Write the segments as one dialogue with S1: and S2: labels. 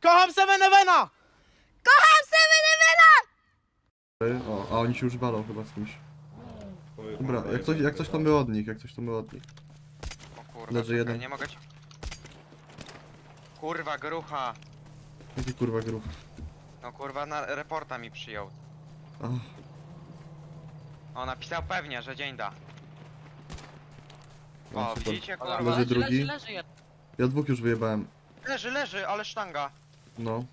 S1: Kocham Sevenevena!
S2: Kocham Sevenevena!
S3: O, a oni się już walą chyba z kimś. Dobra, jak coś to my od nich,
S4: O kurwa,
S3: Leży
S4: czekaj,
S3: jeden.
S4: nie mogę ci... Kurwa, grucha.
S3: Jaki kurwa gruch.
S4: No kurwa, na reporta mi przyjął.
S3: Ach,
S4: O, napisał pewnie, że dzień da.
S3: no
S4: O,
S3: super.
S4: widzicie kurwa?
S3: Leży drugi.
S5: Leży.
S3: Ja dwóch już wyjebałem.
S4: Leży, ale sztanga.
S3: No.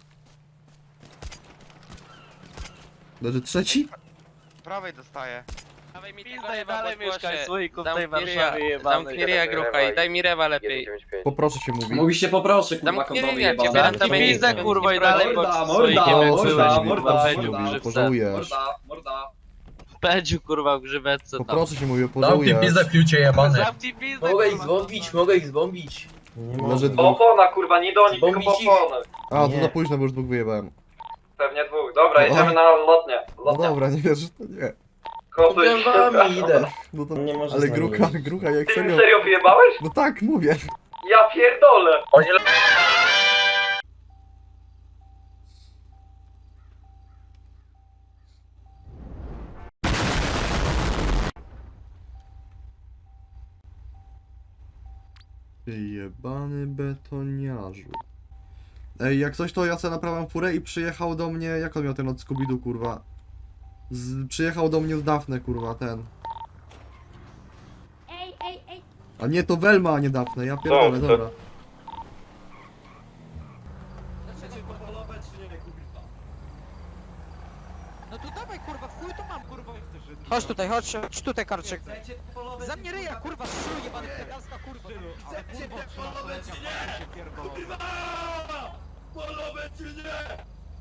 S3: Leży trzeci?
S4: Prawej dostaje.
S5: Dawaj mi
S6: Pizda,
S5: tego rewa,
S6: dalej
S5: bo
S6: mieszkaj
S5: głosie.
S6: słoiku w tej
S5: Zamknij
S6: Warszawie
S5: ryja,
S6: jebanej.
S5: zamknij ryja grucha i daj mi rewa lepiej.
S3: Poproszę się mówi.
S7: Mówi się poproszę, kurwa,
S5: Zamknij
S7: kondomy
S5: ryja,
S7: jebane.
S5: ciebie
S6: Zamknij
S5: Zamknij
S6: pizdę
S5: ryja.
S6: kurwa i dalej
S7: Morda,
S6: bądź
S7: morda,
S6: słoikiem
S3: O,
S6: jak
S3: słyszę,
S6: byłeś,
S3: mówi,
S6: kurwa,
S3: poproszę się
S6: pędziu w
S3: mówi,
S6: grzywce.
S3: pożałujesz.
S7: Morda.
S6: Pędziu kurwa w grzywce tam.
S3: Poproszę się mówi, pożałujesz.
S8: fiucie jebany.
S6: Zamknij pizdę
S7: Mogę ich
S6: kurwa.
S7: zbombić.
S3: Leży dwóch.
S7: Opona, kurwa, nie do nich, tylko
S8: Bombić ich.
S7: opony.
S3: A, to za późno, bo już dwóch wyjebałem.
S7: Pewnie dwóch. Dobra,
S3: No.
S7: jedziemy na lotnię.
S3: No dobra, nie wiesz, że to nie.
S7: Kosuj.
S8: idę.
S3: No to,
S8: Nie możesz
S3: ale
S8: z nami
S3: grucha jak
S7: Ty mi
S3: serio.
S7: serio wyjebałeś?
S3: No tak, mówię.
S7: Ja pierdolę.
S8: Oni
S3: Ty jebany betoniarzu. Ej, jak coś to ja sobie naprawiam furę i przyjechał do mnie, jak on miał ten od Scooby-Doo, kurwa? Przyjechał do mnie z Daphne, kurwa, ten.
S2: Ej.
S3: A nie, to Velma, a nie Daphne, ja pierdolę, dobra.
S1: No to dawaj kurwa, chuj to mam kurwa. Chodź tutaj, chodź tutaj karczek. Za mnie ryja kurwa, szluj jebany pedalska kurwa. Chcecie te polowe czy nie? Kurwa! Polowe czy nie?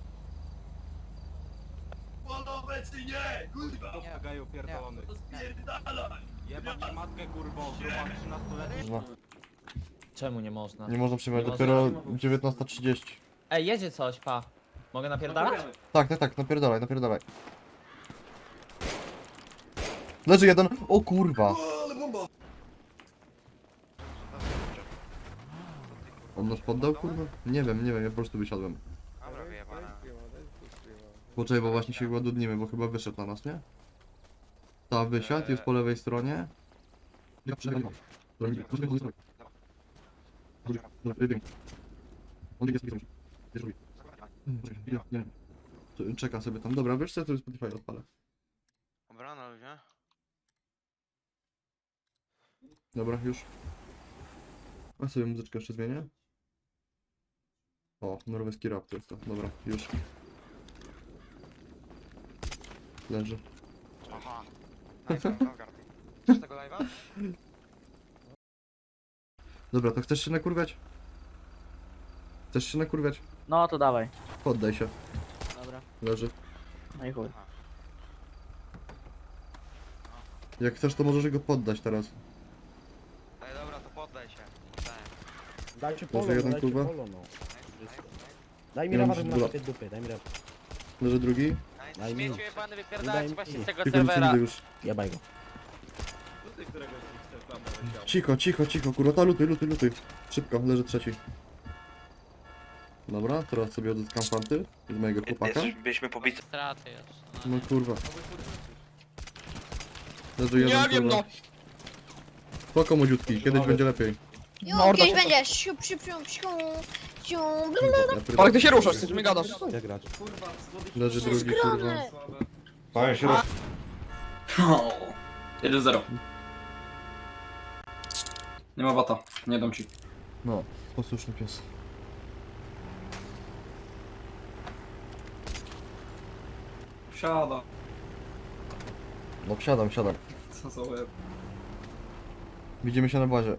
S1: Polowe czy nie? Kurwa! Nie, gaju pierdolony. Spierdalaj! Jebać matkę kurwą, kurwa 13-letni.
S3: Kurwa.
S8: Czemu nie można?
S3: Nie można przyjmować, dopiero 19:30.
S8: Ej, jedzie coś, pa. Mogę napierdalać?
S3: Tak, napierdalaj. Leży jeden, o kurwa. On nas poddał, kurwa? Nie wiem, ja po prostu wysiadłem.
S4: Dobra, wyjebane.
S3: Poczekaj, bo właśnie się ładudnimy, bo chyba wyszedł na nas, nie? Ta wysiadł, jest po lewej stronie. Ja przebiegam. Czeka sobie tam. Dobra, wiesz co, to Spotify odpalę.
S4: Dobra, na ludzie.
S3: Dobra, już. A sobie muzyczkę jeszcze zmienię. O, norweski rap to jest to. Dobra, już. Leży.
S4: Aha. Nice, Novgard. Chcesz tego live'a?
S3: Dobra, to chcesz się nakurwiać? Chcesz się nakurwiać?
S8: No to dawaj.
S3: Poddaj się.
S8: Dobra.
S3: Leży.
S8: No i chuj.
S3: Jak chcesz, to możesz go poddać teraz.
S4: Ej, dobra, to poddaj się. Poddałem.
S9: Dajcie
S3: Leży jeden, kurwa.
S9: Daj mi
S3: Nie mam
S9: rawa, żeby
S3: dwa.
S9: na tej dupy, daj mi rawa.
S3: Leży drugi.
S4: Nice.
S9: Daj mi.
S5: Śmieciu jebany
S9: Daj
S5: wypierdalać
S9: mi.
S5: właśnie z tego
S3: Tylko nic nie
S5: serwera.
S3: widzę już.
S9: Jebaj go.
S3: Cicho, kurwa, ta lutuj. Szybko, leży trzeci. Dobra, teraz sobie odzyskam fanty z mojego chłopaka.
S6: Byliśmy pobici.
S5: Straty już.
S3: No kurwa. Leży jeden,
S1: Nie wiem
S3: kurwa.
S1: no.
S3: Spoko młodziutki, kiedyś będzie lepiej.
S2: Jo, kiedyś będzie. Siu.
S3: Ja pierdolę.
S1: Ale ty się ruszasz, ty mi gadasz.
S9: Jak grać?
S3: Leży drugi, kurwa.
S2: Skromny.
S7: 1-0. Nie ma bata, nie dam ci.
S3: No, posłuszny pies.
S7: Wsiada.
S3: No wsiadam.
S7: Co za łeb.
S3: Widzimy się na bazie.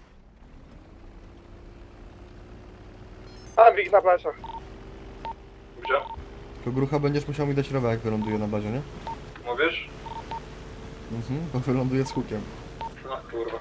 S6: Ambik na plecach.
S7: Gdzie?
S3: To grucha będziesz musiał mi dać rewę, jak wyląduje na bazie, nie?
S7: Mówisz?
S3: Bo wyląduje z hukiem.
S7: No kurwa.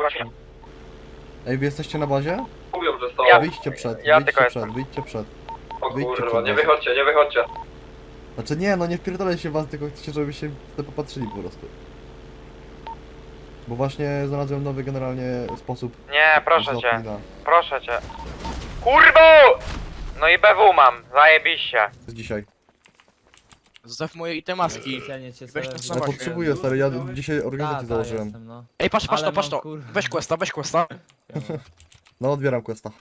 S3: Ej, wy jesteście na bazie?
S7: Mówią, że stała.
S3: Wyjdźcie przed.
S7: O
S3: Wyjdźcie
S7: kurwa,
S3: przed
S7: nie
S3: nas.
S7: wychodźcie, nie wychodźcie.
S3: Znaczy nie, no nie wpierdolę się w was, tylko chcecie, żebyście sobie popatrzyli po prostu. Bo właśnie znalazłem nowy generalnie sposób
S4: Nie, proszę
S3: zwrotu
S4: cię,
S3: na-
S4: proszę cię. Kurwo! No i BW mam, zajebiście.
S3: z dzisiaj.
S1: Zostaw moje itemaski.
S8: Specjalnie cię
S1: Weź to
S8: sobie-
S1: samo.
S3: Ja
S1: Zobaczmy.
S3: potrzebuję, stary, ja dzisiaj
S8: Ta,
S3: organizację
S8: ta,
S3: założyłem.
S8: jestem, no.
S1: Ej, patrz
S8: Ale
S1: to.
S8: mam, kurwa.
S1: Weź questa, weź questa.
S3: No, odbieram questa.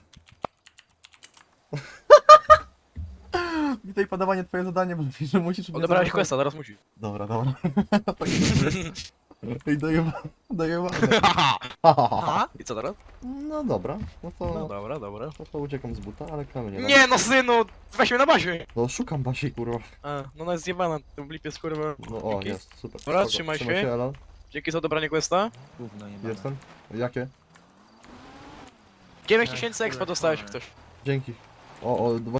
S3: Witaj, padawanie, twoje zadanie, bo mówisz, że musisz... mnie
S1: Odebrałeś
S3: zaatakować.
S1: questa, teraz musisz.
S3: Dobra, dobra. Ej, dojebane.
S1: Aha. I co teraz?
S3: No dobra, no to...
S1: No dobra, dobra.
S3: No to uciekam z buta, ale kamienie.
S1: Nie no synu, weź mnie na bazie.
S3: No szukam Basi, kurwa.
S1: A, no ona jest zjebana, ten blip jest kurwa.
S3: No o,
S1: Dzięki.
S3: jest, super.
S1: Dobra,
S3: Spoko.
S1: trzymaj się.
S3: Elan.
S1: Dzięki za odebranie questa.
S8: Gówno jebane.
S3: Jestem. Jakie?
S1: 9000 expo dostałeś ktoś.
S3: Dzięki. O,